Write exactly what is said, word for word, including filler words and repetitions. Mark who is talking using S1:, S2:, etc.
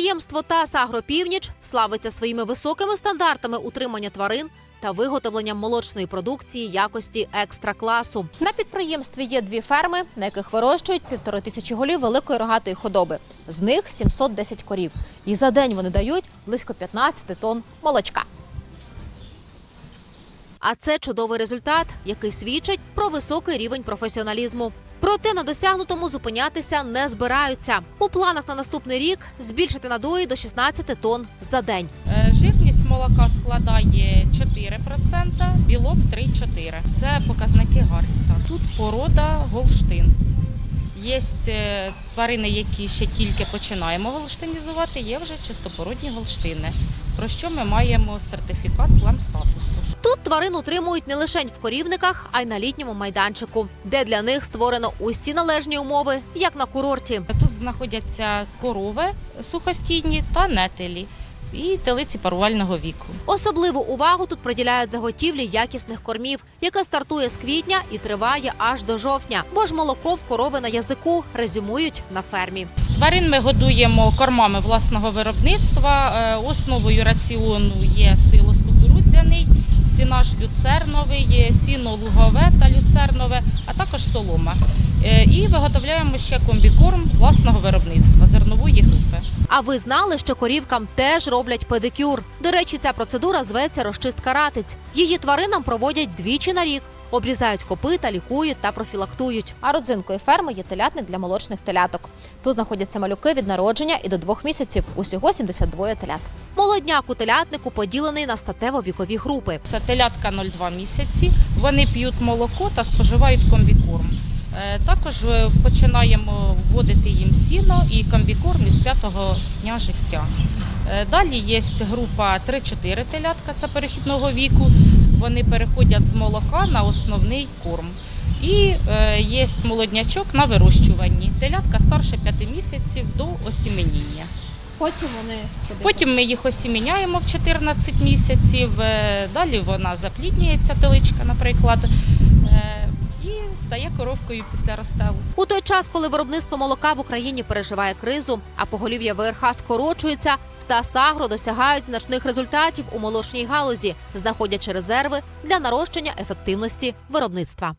S1: Підприємство ТАСС «Агропівніч» славиться своїми високими стандартами утримання тварин та виготовленням молочної продукції якості екстра-класу. На підприємстві є дві ферми, на яких вирощують півтори тисячі голів великої рогатої худоби. З них сімсот десять корів. І за день вони дають близько п'ятнадцять тонн молочка. А це чудовий результат, який свідчить про високий рівень професіоналізму. Проте на досягнутому зупинятися не збираються. У планах на наступний рік збільшити надої до шістнадцяти тонн за день.
S2: Жирність молока складає чотири відсотки, білок три-чотири. Це показники гарні. Тут порода Голштин. Є тварини, які ще тільки починаємо голштинізувати, є вже чистопородні голштини, про що ми маємо сертифікат племстатусу.
S1: Тут тварин утримують не лише в корівниках, а й на літньому майданчику, де для них створено усі належні умови, як на курорті.
S2: Тут знаходяться корови сухостійні та нетелі і телиці парувального віку.
S1: Особливу увагу тут приділяють заготівлі якісних кормів, яке стартує з квітня і триває аж до жовтня. Бо ж молоко в корови на язику, резюмують на фермі.
S2: Тварин ми годуємо кормами власного виробництва. Основою раціону є силос кукурудзяний, сінаж люцерновий, сіно лугове та люцернове, а також солома. І виготовляємо ще комбікорм власного виробництва зернової групи.
S1: А ви знали, що корівкам теж роблять педикюр? До речі, ця процедура зветься розчистка ратиць. Її тваринам проводять двічі на рік. Обрізають копита, лікують та профілактують. А родзинкою ферми є телятник для молочних теляток. Тут знаходяться малюки від народження і до двох місяців. Усього сімдесят два телят. Молодняк у телятнику поділений на статево-вікові групи.
S2: Це телятка нуль-два місяці. Вони п'ють молоко та споживають комбікорм. Також починаємо вводити їм сіно і комбікорм із п'ятого дня життя. Далі є група три-чотири телятка, це перехідного віку. Вони переходять з молока на основний корм. І є молоднячок на вирощуванні. Телятка старше п'яти місяців до осіменіння.
S1: Потім вони
S2: Потім ми їх осіміняємо в чотирнадцять місяців. Далі вона запліднюється, теличка, наприклад, і стає коровкою після розстелу.
S1: У той час, коли виробництво молока в Україні переживає кризу, а поголів'я ВРХ скорочується, в ТАСС «Агро» досягають значних результатів у молочній галузі, знаходячи резерви для нарощення ефективності виробництва.